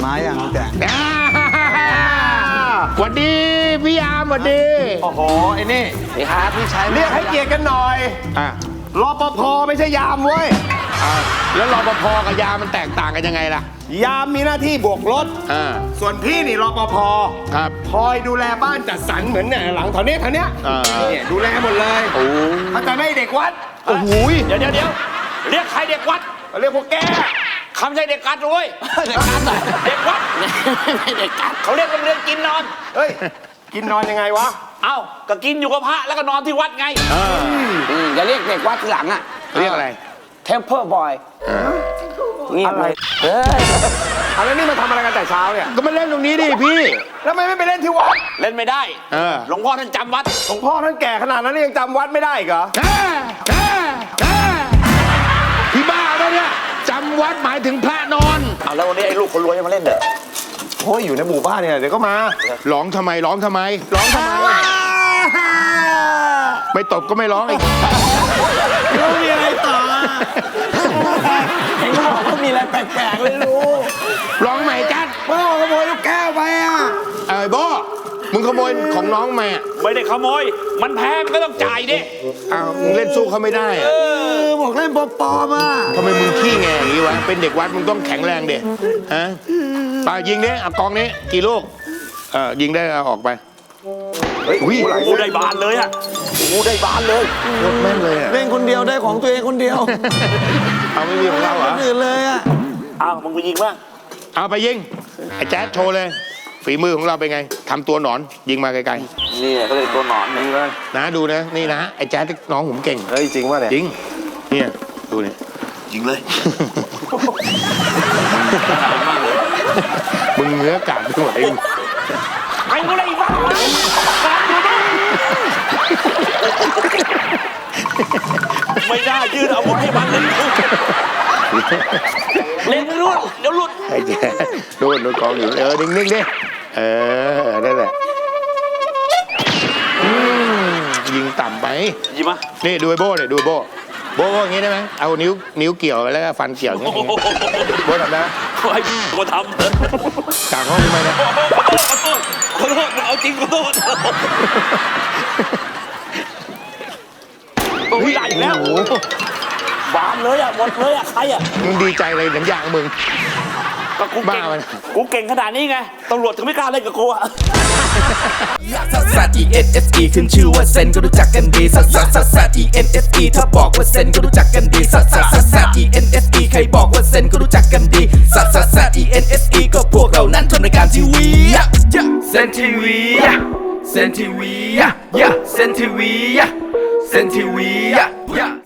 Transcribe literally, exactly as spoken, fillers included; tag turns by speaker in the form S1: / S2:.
S1: มาอย่างแก
S2: สวัสดีพี่ยามสวัสดี
S3: โอ้โหไอ้นี่
S1: นี่ครับพี่ชาย
S3: เรียกให้เกียรติกันหน่อยอ่ะรปภไม่ใช่ยามเว้ย
S2: แล้วรปภกับยามมันแตกต่างกันยังไงล่ะ
S3: ยามมีหน้าที่โบกรถส่วนพี่นี่รปภ
S2: ครับ
S3: คอยดูแลบ้านจัดสรรเหมือนเนี่ยหลังแถวเนี้ยแถวเนี้ยเนี่ยดูแลหมดเลย
S2: โอ้
S3: เขาจะไม่เด็กวัด
S2: โอ้โห
S4: เดี๋ยวเดี๋ยวเดี๋ยวเรียกใครเด็กวัด
S3: เรียกพวกแก
S4: คำใช่เด็กกัดด้วยเด็กกัดเด็กวัดเด็กกัดเขาเรียกโรงเรียนกินนอน
S3: เฮ้ยกินนอนยังไงวะ
S4: เอ้าก็กินอยู่กับพระแล้วก็นอนที่วัดไง
S1: อย่าเรียกเด็กวัดทีหลังอ่ะ
S2: เรียกอะไร
S1: Temple Boy
S3: นี่อะไรเฮ้ยอะไรนี่มาทำอะไรกันแต่เช้าเนี่ย
S2: ก็มาเล่นตรงนี้ดิพี่
S3: แล้วทำไมไม่ไปเล่นที่วัด
S4: เล่นไม่ได้หลวงพ่อท่านจำวัด
S3: หลวงพ่อท่านแก่ขนาดนั้นยังจำวัดไม่ได้เหรอ
S2: พี่บ้าปะเนี่ยจำวัดหมายถึงพระนอน
S4: เอาแล้ววันนี้ไอ้ลูกคนรวยจะมาเล่นเด้อ
S3: โอ้ยอยู่ในหมู่บ้านเนี่ยเดี๋ยวก็มา
S2: ร้องทำไมร้องทำไม
S3: ร้องทำไม
S2: ไม่ตบก็ไม่ร้องอีก
S3: แล้วมีอะไรต่อ
S1: เห็นเขาบอกว่ามีอะไรแปลกๆเลยลูก
S2: ร้องใหม่จัด
S3: พ่อขโมยลูกแก้วไปอ่ะ
S2: ไอ้โบ้มึงขโมยของน้องมา
S4: ไม่ได้ขโมยมันแพ้มันก็ต้องจ่ายดิ
S2: อ้าวมึงเล่นสู้เขาไม่ได้อะ
S3: บอกเล่นปอๆมา
S2: ทำไมมึงขี้แงอย่างนี้วะเป็นเด็กวัดมึงต้องแข็งแรงดิฮะป่ายิงดิเอากองนี้กี่ลูกเออยิงได้เอาออกไป
S4: เฮ้ยกูได้บานเลยอะกูได้บานเลย
S2: โคตรแม่นเลย
S1: เล่นคนเดียวได้ของตัวเองคนเดียว
S2: เอาไม่มีของเราเหรอ
S1: คนอื่นเลยอะ
S4: อ้าวมึงไปยิงบ้าง
S2: เอาไปยิงไอ้แจ๊ดโชว์เลยฝีมือของเราเป็นไงทำตัวหนอนยิงมาไกล
S4: ๆนี่ก็เลยตัวหนอน
S3: นี่เลย
S2: นะดูนะนี่นะไอ้แจ๊ดน้องผมเก่ง
S3: เฮ้ยจริงวะเนี่ย
S2: จริงเนี่ยดูนี่
S4: ยิงเลย
S2: มึงเนื้อกาดไปหมดเอง
S4: ไอ้กูเลยบ้าไม่ได้ยืนอาวุธให้มันเลยเล่นรุ่นเดี๋ยวหลุด
S2: ไอ้แจ๊โดนโดนกองอยู่เออนิ่งๆดิเออนั่นแหละยิงต่ำไป
S4: ยิงมา
S2: นี่ดูไอ้โบ้เลยดูโบ้โบ้อย่างงี้ได้ไหมเอานิ้วนิ้วเกี่ยวแล้วก็ฟันเกี่ยวอย่างงี้โบ้ทำได้
S4: ไอ้กูทำ
S2: กลางห้องทำไมนะ
S4: ขอโทษเอาจริงขอโทษโอ้ยใหญ่แล้วบานเลยอ่ะหมดเลยอ่ะใครอ่ะ
S2: มึงดีใจเลยหนังอย่างมึง
S4: ก็กูเก่งกูเก่งขนาดนี้ไงตำรวจถึงไม่กล้าเล่นกับกูอ่ะ
S5: ซัสซัส อี เอ็น เอส อี ขึ้นชื่อว่าเซนก็รู้จักกันดีซัสซัสซัสซัส อี เอ็น เอส อี ถ้าบอกว่าเซนก็รู้จักกันดีซัสซัสซัสซัส อี เอ็น เอส อี ใครบอกว่าเซนก็รู้จักกันดีซัสซัสซัส อี เอ็น เอส อี ก็พวกเรานั้นทำรายการทีวีเซนทีวีเซนทีวีเซนทีวีเซนทีวี